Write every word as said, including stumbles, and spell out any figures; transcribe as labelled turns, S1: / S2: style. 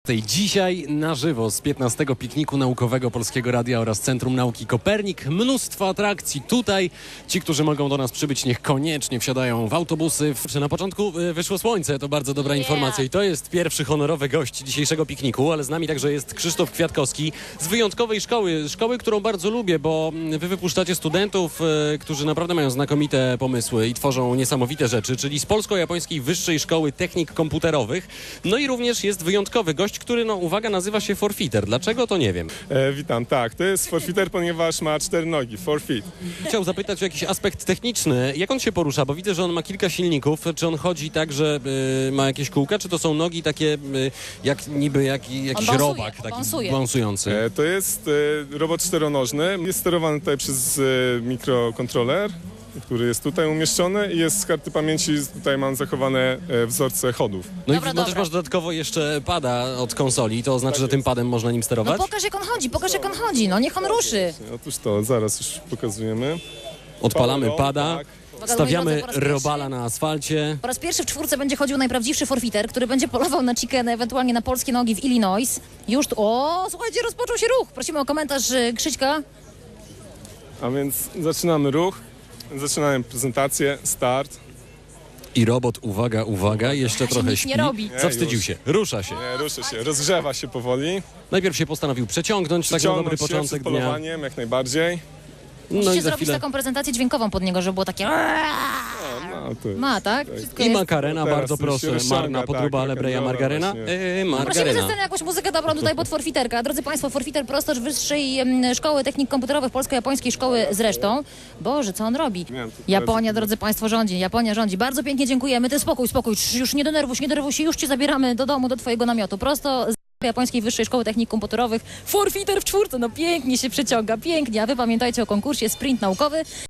S1: Dzisiaj na żywo z piętnastego pikniku naukowego Polskiego Radia oraz Centrum Nauki Kopernik. Mnóstwo atrakcji tutaj. Ci, którzy mogą do nas przybyć, niech koniecznie wsiadają w autobusy. Na początku wyszło słońce, to bardzo dobra
S2: Yeah.
S1: informacja i to jest pierwszy honorowy gość dzisiejszego pikniku, ale z nami także jest Krzysztof Kwiatkowski z wyjątkowej szkoły, szkoły, którą bardzo lubię, bo wy wypuszczacie studentów, e, którzy naprawdę mają znakomite pomysły i tworzą niesamowite rzeczy, czyli z Polsko-Japońskiej Wyższej Szkoły Technik Komputerowych. No i również jest wyjątkowy gość, który, no uwaga, nazywa się Forfeiter. Dlaczego, to nie wiem.
S3: E, witam, tak, to jest forfeiter, ponieważ ma cztery nogi, forfeit.
S1: Chciał zapytać o jakiś aspekt techniczny. Jak on się porusza? Bo widzę, że on ma kilka silników. Czy on chodzi tak, że y, ma jakieś kółka, czy to są nogi takie y, jak niby jak, jakiś
S2: balansuje,
S1: robak
S2: on
S1: taki
S2: balansuje.
S1: balansujący?
S3: E, to jest e, robot czteronożny, jest sterowany tutaj przez e, mikrokontroler, który jest tutaj umieszczony i jest z karty pamięci, tutaj mam zachowane e, wzorce chodów.
S1: No
S2: Dobra,
S1: i no też
S2: dobra.
S1: masz dodatkowo jeszcze pada od konsoli. To oznacza, że tym padem można nim
S2: No
S1: sterować?
S2: pokaż jak on chodzi, pokaż jak on chodzi, no niech on ruszy.
S3: Otóż to, zaraz już pokazujemy.
S1: Odpalamy
S3: Palą,
S1: pada,
S3: tak.
S2: Uwaga, moi
S1: stawiamy
S2: drodzy, po raz pierwszy-
S1: robala na asfalcie.
S2: Po raz pierwszy w czwórce będzie chodził najprawdziwszy forfeiter, który będzie polował na chicken, ewentualnie na polskie nogi w Illinois. Już tu, o, słuchajcie, rozpoczął się ruch. Prosimy o komentarz y, Krzyśka.
S3: A więc zaczynamy ruch, zaczynamy prezentację, start.
S1: I robot, uwaga, uwaga, jeszcze trochę
S2: nic
S1: śpi.
S2: nie robi.
S1: Zawstydził
S3: już.
S1: się, rusza się.
S3: Nie, rusza się, rozgrzewa się powoli.
S1: Najpierw się postanowił przeciągnąć, tak na
S3: Ciągnąć
S1: dobry
S3: się
S1: początek
S3: przed
S1: dnia.
S3: polowaniem, jak najbardziej.
S1: No
S2: Musicie
S1: i za
S2: zrobić
S1: chwilę.
S2: taką prezentację dźwiękową pod niego, żeby było takie...
S3: No, to
S2: Ma, tak? Wszystko
S1: I
S2: jest...
S1: makarena,
S3: Teraz
S1: bardzo
S3: już się
S1: proszę.
S3: rozciąga,
S1: Marna
S3: tak,
S1: podróba, ale breja
S3: rock'n'rolla
S1: margaryna.
S3: właśnie.
S1: Yy,
S2: Prosimy ze
S1: margaryna.
S2: sceny jakąś muzykę dobrą tutaj pod forfiterka. Drodzy Państwo, forfiter prosto z Wyższej em, Szkoły Technik Komputerowych, Polsko-Japońskiej Szkoły zresztą. Boże, co on robi?
S3: Miałem tu
S2: Japonia,
S3: teraz-
S2: drodzy Państwo, rządzi. Japonia rządzi. Bardzo pięknie dziękujemy. Ty spokój, spokój. Cz, Już nie denerwuj się, nie denerwuj się. Już Cię zabieramy do domu, do Twojego namiotu. Prosto z Japońskiej Wyższej Szkoły Technik Komputerowych. Forfiter w czwórce. No pięknie się przeciąga, pięknie. A Wy pamiętajcie o konkursie Sprint Naukowy.